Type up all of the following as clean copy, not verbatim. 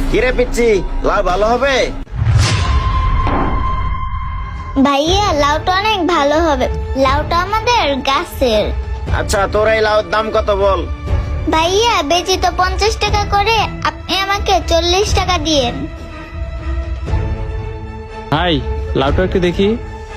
কিরে পিচ্ছি, লাউ ভালো হবে? ভাইয়া লাউটা অনেক ভালো হবে, লাউটা আমাদের গাছের। আচ্ছা, তোর এই লাউর দাম কত বল? ভাইয়া বেচি তো 50 টাকা করে, আপনি আমাকে 40 টাকা দিয়েন। ভাই লাউটা একটু দেখি।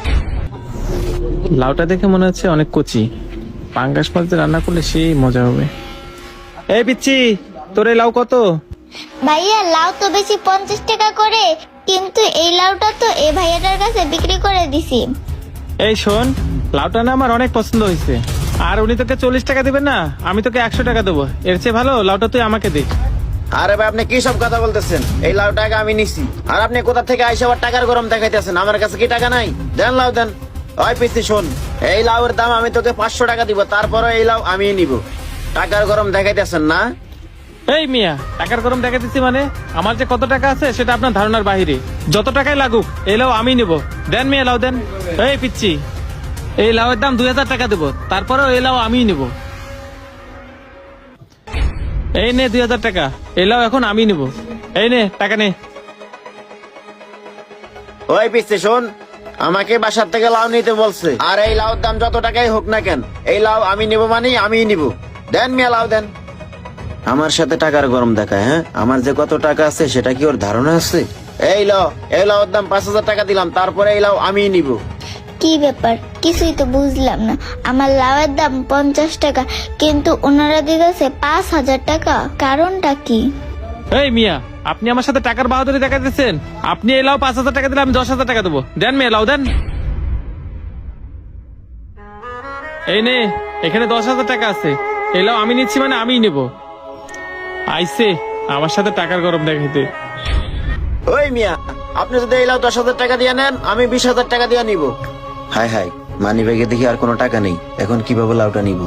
লাউটা দেখে মনে হচ্ছে অনেক কচি, পাঙ্গাস মাছ দিয়ে রান্না করলে সেই মজা হবে। এই পিচ্ছি, তোর এই লাউ কত? ভাইয়া লাউ তো বেশি 50 টাকা করে, কিন্তু এই লাউটা তো এই ভাইয়াটার কাছে বিক্রি করে দিছি। এই শোন, লাউটা না আমার অনেক পছন্দ হয়েছে, আর উনি তোকে 40 টাকা দিবেন না, আমি তোকে 100 টাকা দেবো। এর চেয়ে ভালো লাউটা তুই আমাকে দে। আরে ভাই, আপনি কি সব কথা বলতেছেন? এই লাউ টাকা আমি নিছি, আর আপনি কোথা থেকে আইসা আবার টাকার গরম দেখাইতেছেন? আমার কাছে কি টাকা নাই? দেন লাউ দেন। ওই পিচ্ছি শোন, এই লাউয়ের দাম আমি তোকে 500 টাকা দিব, তারপরে এই লাউ আমি নিব। টাকার গরম দেখাইতেছেন না? এই মিয়া, টাকার গরম দেখা দিচ্ছি মানে? আমার যে কত টাকা আছে সেটা আপনার ধারণার বাহিরে। যত টাকাই লাগুক এই লাউ আমি নেব। দেন মিয়া, লাউ দেন। এই পিচ্ছি, এই লাউয়ের দাম 2000 টাকা দেবো, তারপরেও এই লাউ আমি নেব। এই নে 2000 টাকা, এই লাউ এখন আমি নেব। এই নে টাকা নে। ওই পিচ্ছি শোন, আমাকে বাসার থেকে লাউ নিতে বলছে, আর এই লাউর দাম যত টাকাই হোক না কেন, এই লাউ আমি নিব মানে আমি নিব। দেন মিয়া, লাউ দেন। আমার সাথে টাকার গরম দেখায়? হ্যাঁ, আমার যে কত টাকা আছে সেটা কি ওর ধারণা আছে? এই লাউর দাম 5000 টাকা দিলাম, তারপরে এই লাউ আমি নিব। কি ব্যাপার, কিছুই তো বুঝলাম না। আমার লাউয়ের দাম 50 টাকা, কিন্তু ওনারা দিতেছে 5000 টাকা, কারণটা কি? এই মিয়া, আপনি আমার সাথে টাকার বাহাদুরি দেখাতেছেন? আপনি এই লাউ 5000 টাকা দিলে আমি 10,000 টাকা দেবো। দেন মিয়া, লাউ দেন। এই নে, এখানে 10,000 টাকা আছে, এই লাউ আমি নিচ্ছি মানে আমিই নেব। আইসে আমার সাথে টাকার গরম দেখাইতে। ওই মিয়া, আপনি যদি এই লাউ 10,000 টাকা দিয়ে নেন, আমি 20,000 টাকা দিয়ে নিব। হাই হাই, মানি ব্যাগে দেখি আর কোনো টাকা নেই, এখন কিভাবে লাউটা নিব?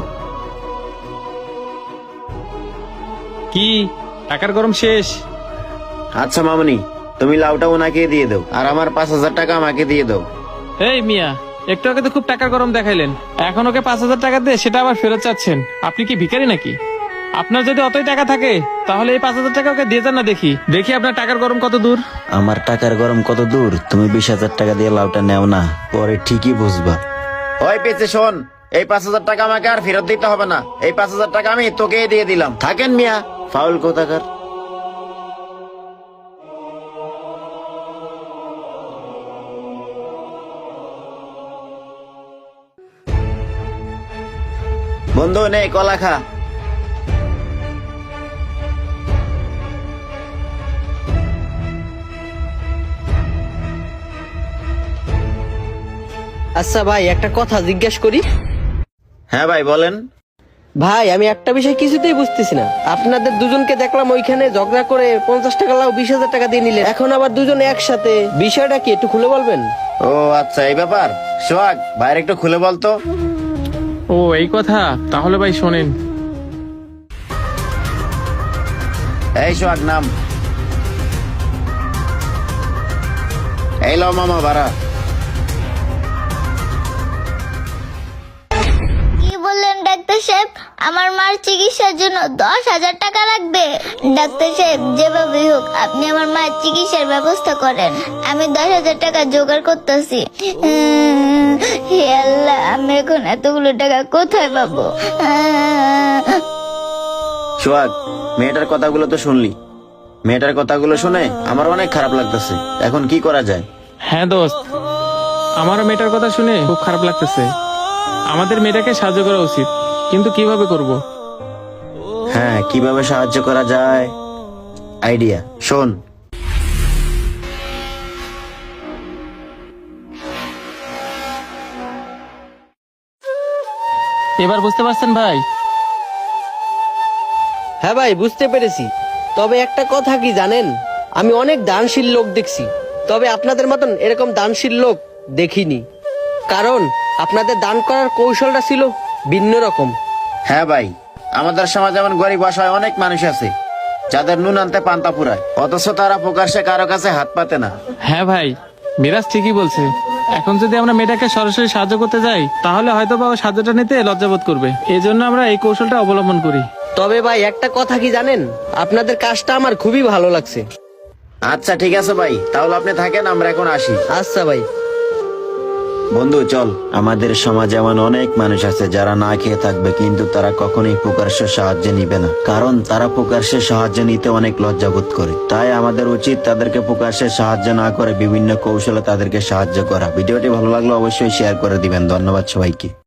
কি টাকার গরম শেষ? আচ্ছা মামনি, তুমি লাউটা ওনাকে দিয়ে দাও, আর আমার 5,000 টাকা আমাকে দিয়ে দাও। এই মিয়া, একটু আগে তো খুব টাকার গরম দেখাইলেন, এখন ওকে 5000 টাকা দিয়ে সেটা আবার ফেরত চাচ্ছেন? আপনি কি ভিখারি নাকি? আপনার যদি অতই টাকা থাকে তাহলে এই 5000 টাকা ওকে দিয়ে যান না, দেখি দেখি আপনার টাকার গরম কত দূর। আমার টাকার গরম কত দূর? তুমি 20,000 টাকা দিয়ে লাউটা নেও না, পরে ঠিকই বুঝবা। ওই পেছে শোন, এই 5,000 টাকা আমাকে আর ফেরত দিতে হবে না, এই 5,000 টাকা আমি তোকে দিয়ে দিলাম। থাকেন মিয়া, ফাউল কোথাকার। বন্ধু নে, কলা খা। আচ্ছা ভাই, একটা কথা জিজ্ঞেস করি। হ্যাঁ ভাই বলেন। ভাই আমি একটা বিষয় কিছুতেই বুঝতেছি না, আপনাদের দুজনকে দেখলাম ওইখানে ঝগড়া করে 50 টাকা লাউ 20,000 টাকা দিয়ে নিলেন, এখন আবার দুজনে একসাথে, বিষয়টা কি একটু খুলে বলবেন? ও আচ্ছা, এই ব্যাপার। সোহাগ, বাইরে একটু খুলে বলতো। ও এই কথা, তাহলে ভাই শোনেন। এই সোহাগ নাম। এই লো মামা ভাড়া। কি বললেন ডাক্তার সাহেব? আমার মার চিকিৎসার জন্য 10,000 টাকা লাগবে? ডাক্তার সাহেব, যেভাবেই হোক আপনি আমার মায়ের চিকিৎসার ব্যবস্থা করেন, আমি 10,000 টাকা জোগাড় করতেছি। হে আল্লাহ, আমি এখন এতগুলো টাকা কোথায় পাবো? সোহাগ, মেয়েটার কথাগুলো তো শুনলি, মেয়েটার কথাগুলো শুনে আমার অনেক খারাপ লাগতেছে, এখন কি করা যায়? হ্যাঁ দোস্ত, আমারও মেয়েটার কথা শুনে খুব খারাপ লাগতেছে। আমাদের মেয়েটাকে সাহায্য করা উচিত, কিন্তু কিভাবে করব? হ্যাঁ, কিভাবে সাহায্য করা যায়, আইডিয়া শোন। এবার বুঝতে পারছেন ভাই? হ্যাঁ ভাই, বুঝতে পেরেছি। তবে একটা কথা কি জানেন, আমি অনেক দানশীল লোক দেখছি, তবে আপনাদের মতন এরকম দানশীল লোক দেখিনি, কারণ আপনাদের দান করার কৌশলটা ছিল ভিন্ন রকম। হ্যাঁ ভাই, আমাদের সমাজে এমন গরিব অসহায় অনেক মানুষ আছে যাদের নুন আনতে পান্তা পুরায়, অথচ তারা প্রকাশ্যে কারো কাছে হাত পাতে না। হ্যাঁ ভাই, মিরাজ ঠিকই বলছে। এখন যদি আমরা মেয়েটাকে সরাসরি সাহায্য করতে যাই তাহলে হয়তো বা ও সাহায্যটা নিতে লজ্জাবোধ করবে, এই জন্য আমরা এই কৌশলটা অবলম্বন করি। তবে ভাই একটা কথা কি জানেন, আপনাদের কাজটা আমার খুবই ভালো লাগছে। আচ্ছা ঠিক আছে ভাই, তাহলে আপনি থাকেন, আমরা এখন আসি। আচ্ছা ভাই। বন্ধু চল, আমাদের সমাজে এমন অনেক মানুষ আছে যারা না খেয়ে থাকবে, কিন্তু তারা কখনোই প্রকাশ্যে সাহায্য নিবে না, কারণ তারা প্রকাশ্যে সাহায্য নিতে অনেক লজ্জাবোধ করে। তাই আমাদের উচিত তাদেরকে প্রকাশ্যে সাহায্য না করে বিভিন্ন কৌশলে তাদেরকে সাহায্য করা। ভিডিওটি ভালো লাগলে অবশ্যই শেয়ার করে দিবেন। ধন্যবাদ সবাইকে।